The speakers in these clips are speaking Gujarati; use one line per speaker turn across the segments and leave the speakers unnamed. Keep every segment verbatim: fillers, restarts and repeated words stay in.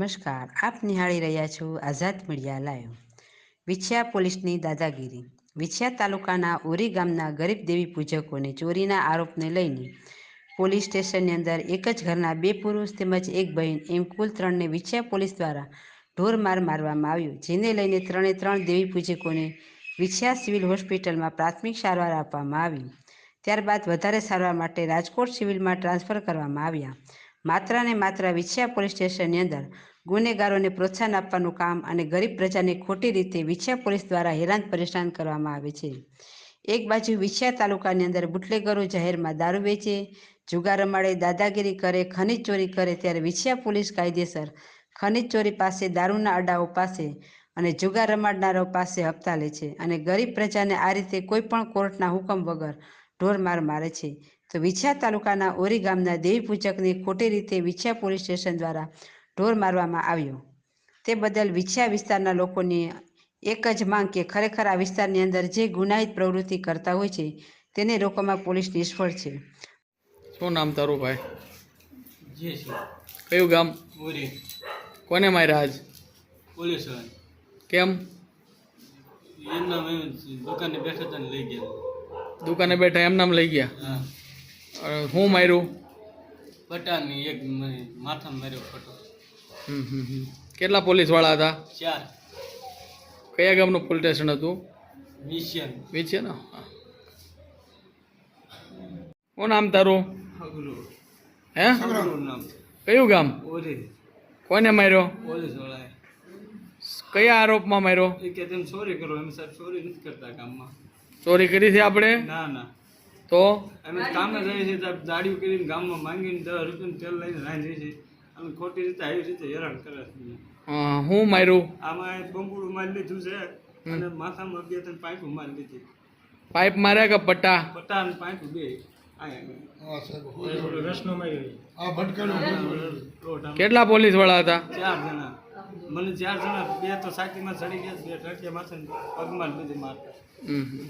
નમસ્કાર, આપ નિહાળી રહ્યા છો આઝાદ મીડિયા લાઈવ। વિછિયા પોલીસની દાદાગીરી। વિછિયા તાલુકાના ઓરી ગામના ગરીબ દેવી પૂજકોને ચોરીના આરોપને લઈને પોલીસ સ્ટેશનની અંદર એક જ ઘરના બે પુરુષ તેમજ એક બહેન એમ કુલ ત્રણને વિછિયા પોલીસ દ્વારા ઢોરમાર મારવામાં આવ્યો, જેને લઈને ત્રણે ત્રણ દેવી પૂજકોને વિછિયા સિવિલ હોસ્પિટલમાં પ્રાથમિક સારવાર આપવામાં આવી। ત્યારબાદ વધારે સારવાર માટે રાજકોટ સિવિલમાં ટ્રાન્સફર કરવામાં આવ્યા। માત્ર ને માત્ર વિછિયા પોલીસ સ્ટેશનની અંદર ગુનેગારોને પ્રોત્સાહન આપવાનું કામ અને ગરીબ પ્રજાને ખોટી રીતે વિછિયા પોલીસ દ્વારા હેરાન પરેશાન કરવામાં આવે છે। એક બાજુ વિછિયા તાલુકાની અંદર બુટલેગરો જાહેરમાં દારૂ વેચે, જુગાર રમાડે, દાદાગીરી કરે, ખનીજ ચોરી કરે, ત્યારે વિછિયા પોલીસ કાયદેસર ખનીજ ચોરી પાસે, દારૂના અડાઓ પાસે અને જુગાર રમાડનારાઓ પાસે હપ્તા લે છે અને ગરીબ પ્રજાને આ રીતે કોઈ પણ કોર્ટના હુકમ વગર ઢોરમાર મારે છે। તો વિછિયા તાલુકાના ઓરી ગામના દેવી પૂજકને ખોટી રીતે વિછિયા પોલીસ સ્ટેશન દ્વારા ઢોર મારવામાં આવ્યો, તે બદલ વિછિયા વિસ્તારના લોકોની એક જ માંગ કે ખરેખર આ વિસ્તારની અંદર જે ગુનાહિત પ્રવૃત્તિ કરતા હોય છે તેને રોકવામાં પોલીસ નિષ્ફળ છે।
શું નામ તારું ભાઈ?
જે છે
કયું ગામ?
ઓરી
કોને માર્યા આજ?
પોલીસ
કેમ?
એમના મેં દુકાને બેઠા હતા ને લઈ ગયા।
દુકાને બેઠા એમ નામ લઈ ગયા?
હા,
અ, શું માર્યું?
પટાની એક મને માથામાં માર્યો ફટો।
હમ હમ હમ કેટલા પોલીસ વાળા હતા?
ચાર।
કયા ગામનું પોલીસ સ્ટેશન હતું?
મિશિયન
વિછે ને? હા। શું નામ તારું?
અગલું
હે?
અગલું નામ
કયું ગામ?
ઓરી
કોને માર્યો?
પોલીસ વાળાએ
કયા આરોપમાં માર્યો?
એ કે તેમ ચોરી કરો। એમ સાહેબ ચોરી નથી કરતા ગામમાં।
ચોરી કરી છે આપણે?
ના ના,
તો
અમે કામે જઈએ છીએ સાહેબ, દાડીઓ કરીને ગામમાં માંગીને દસ રૂપિયાનું તેલ લઈને રાઈ જઈએ છીએ। અમે ખોટી રીતે આવી રીતે હેરાન કરે છે।
અ, શું માર્યું?
આમાં બંબુડું મારી લીધું છે અને માથામાં બે ત્રણ પાઇપો મારી લીધી।
પાઇપ માર્યા કે પટ્ટા?
પટ્ટા અને પાઇપો બે રસનો
કેટલા પોલીસ વાળા હતા?
ચાર જણા। મને ચાર જણા, બે તો સાકીમાં ચડી ગયા, બે ટટિયા માથે પગમાં લીધી મારતા।
હમ હમ।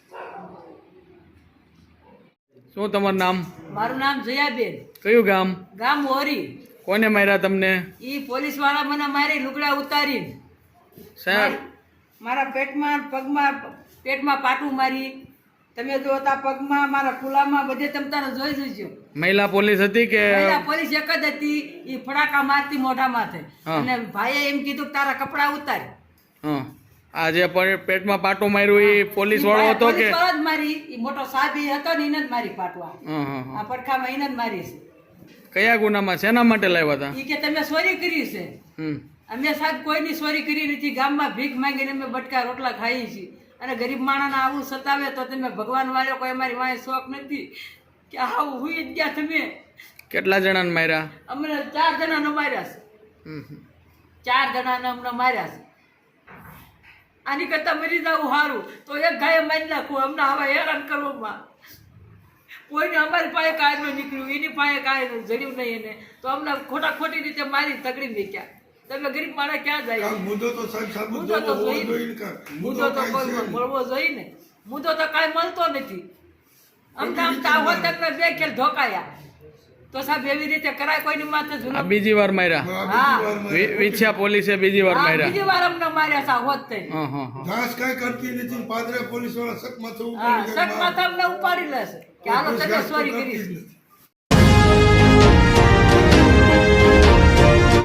શું તમારું નામ?
મારું નામ જયાબેન,
કયું ગામ?
ગામ ઓરી।
કોને માર્યા તમને?
ઈ પોલીસ વાળા મને મારી લુગડા ઉતારીને
સાહેબ
મારા પેટમાં પગમાં પેટમાં પાટું મારી। તમે જો તા પગમાં મારા ખુલામાં બધે તમે તારે જોઈ જોઈજો।
મહિલા પોલીસ હતી કે?
પહેલા પોલીસ એક જ હતી, ઈ ફડાકા મારતી મોઢા માથે
હા।
અને ભાઈએ એમ કીધું કે તારા કપડા ઉતાર।
હા, આ જે પ- પેટમાં પાટું માર્યું એ પોલીસ વાળો હતો કે?
પોલીસ વાળો જ મારી, ઈ મોટો સાબી હતો ને એને જ મારી પાટવા।
હા હા હા।
આ પડખામાં એને જ મારી છે।
કયા ગુનામાં શેના માટે લાવ્યા હતા?
ઈ કે તમે ચોરી કરી છે।
હમ
અમે સાહેબ કોઈની ચોરી કરી નથી, ગામમાં ભીખ માંગીને અમે બટકા રોટલા ખાઈએ છીએ અને ગરીબ માણસને આવું સતાવે તો તમે ભગવાન વાળો કોઈ અમારી વાંહે શોખ નથી કે આવું હુઈ જ ગયા તમે।
કેટલા જણાને માર્યા?
અમને ચાર જણાને માર્યા છે,
હમ હમ।
ચાર જણાને અમને માર્યા છે। આની કરતા મરી જવું સારું, તો એક ગાયે મારી નાખવું, અમને આવા હેરાન કરવામાં। કોઈને અમારી પાસે કાંઈ ન નીકળ્યું, એની પાસે કાંઈ જડ્યું નહીં એને, તો અમને ખોટા ખોટી રીતે મારી તગડી મૂક્યા। તમે ગરીબ માણસ ક્યાં જાય? મુદ્દો તો મુદ્દો તો જોઈએ, મુદ્દો તો કોઈ મળવો જોઈએ ને, મુદ્દો તો કાંઈ મળતો નથી। અમને આમ તો આવો તમને બે ખેલ ધોકાયા તો સાહેબ એવી રીતે કરાય કોઈની માથે
આ
જુલમ?
બીજી વાર માર્યા?
હા,
વિ- વિછિયા પોલીસે બીજી વાર
હા,
માર્યા?
બીજી વાર અમને માર્યા સા હોત થઈ।
હા હા હા।
ઘાસ કઈ કરતી નથી, પાદરે પોલીસ વાળા સક માથે
હા,
ઉપાડી
સક માથે અમને ઉપાડી લેશે કે હાલો તમે ચોરી કરી છે।